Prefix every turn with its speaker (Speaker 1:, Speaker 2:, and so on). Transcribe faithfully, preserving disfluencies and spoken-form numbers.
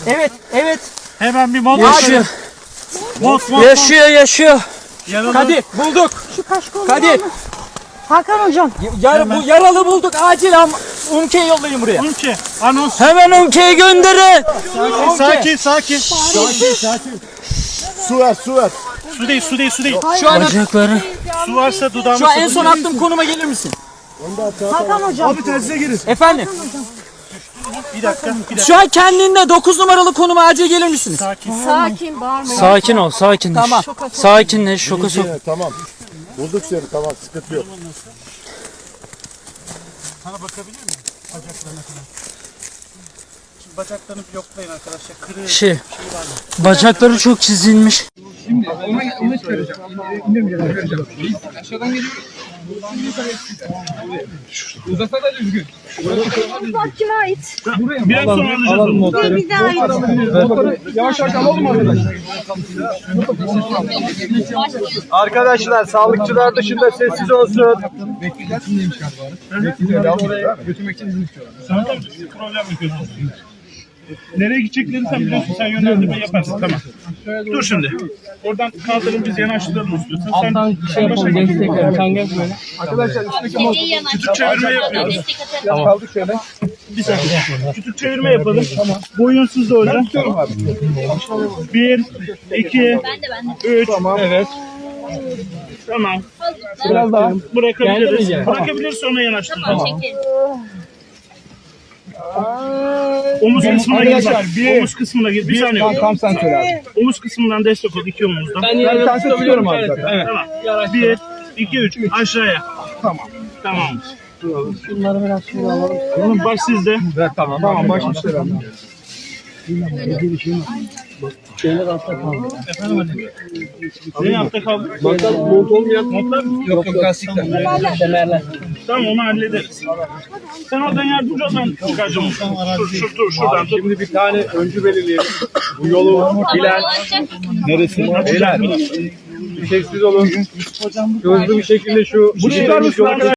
Speaker 1: Evet, evet.
Speaker 2: Hemen bir mont.
Speaker 1: Yaşıyor.
Speaker 2: Mont, mont,
Speaker 1: Yaşıyor, yaşıyor.
Speaker 2: Yaralı.
Speaker 1: Kadir, bulduk.
Speaker 3: Şu kaşkol.
Speaker 1: Kadir.
Speaker 3: Hakan hocam.
Speaker 1: Yar, bu yaralı bulduk. Acil am Umke'yi yollayın buraya.
Speaker 2: Umke. Anons.
Speaker 1: Hemen Umke'yi gönderin.
Speaker 2: Sakin, sakin.
Speaker 4: Sakin sakin. Su ver su ver.
Speaker 2: Su değil, su değil, su değil.
Speaker 1: Şu an, Bacakları.
Speaker 2: Su varsa dudağımı
Speaker 1: Şu an en son attığım konuma gelir misin?
Speaker 3: Hakan hocam.
Speaker 4: Abi tersize girin.
Speaker 1: Efendim?
Speaker 2: Bir dakika, bir dakika.
Speaker 1: Şu an kendinde dokuz numaralı konuma acil gelir misiniz?
Speaker 2: Sakin.
Speaker 3: Sakin bağırmayın.
Speaker 1: Sakin ol, sakinleş. Tamam. Sakinleş, şoka sok.
Speaker 4: Yine, tamam. Bulduk seni tamam sıkıntı yok.
Speaker 2: Sana bakabilir miyim? Bacaklarına kadar. Şimdi bacaklarını bir yoklayın arkadaşlar. Kırığı.
Speaker 1: Şey, bacakları çok çizilmiş.
Speaker 5: Şimdi ona, ona çıkaracağım. İndirmeyeceğim. Aşağıdan geliyor. Uzasa da düzgün.
Speaker 3: Bak kime ait?
Speaker 5: Buraya
Speaker 2: Biraz sonra alacağız onu.
Speaker 3: Dur bize ait.
Speaker 5: yavaş yavaş alalım arkadaşlar.
Speaker 4: Arkadaşlar sağlıkçılar dışında sessiz olsun.
Speaker 5: Bekleyeceksin neymiş galiba? Oraya götürmek için izin istiyorlar.
Speaker 2: Sana da bir problem yapıyorsun. Nereye gideceklerini sen biliyorsun. Sen yönlendirme yaparsın. Tamam. Dur şimdi. Oradan kaldırın biz yanaştıralım istiyorsan. Sen şey yapalım. Destek
Speaker 5: Arkadaşlar üstteki mont.
Speaker 2: küçük çevirme yapıyoruz.
Speaker 5: Kaldık şöyle.
Speaker 2: Bir saniye. Küçük çevirme yapalım. Boyunsuz da hocam. Bir, iki, üç. Evet. Tamam.
Speaker 5: Biraz daha.
Speaker 2: Bırakabiliriz. Bırakabiliriz sonra yanaştıralım. Omuz kısmına gir. bak. Omuz kısmına gir. Bir saniye.
Speaker 5: Tam, tam sen söyle abi.
Speaker 2: Omuz kısmından destek ol. iki omuzdan.
Speaker 5: Ben bir tanesi tutuyorum abi zaten. Evet.
Speaker 2: Tamam. Bir, iki, üç. Aşağıya.
Speaker 5: Tamam.
Speaker 2: Tamam.
Speaker 3: Şunları biraz şöyle alalım.
Speaker 2: Bunun baş sizde.
Speaker 5: Evet tamam. Tamam başmışlar abi.
Speaker 2: Ne yapta kaldı?
Speaker 5: Mont olmayan montlar mı? Yok yok lastikler.
Speaker 2: Tamam onu hallederiz. Sen oradan yardımcı ol ben çıkaracağım. Dur, şur, dur şuradan tut.
Speaker 4: Şimdi bir tane öncü belirleyelim. Bu yolu bilen neresi? Beyler. Bir sessiz olun. Hızlı bir şekilde şu
Speaker 2: Bu çıkar mısın?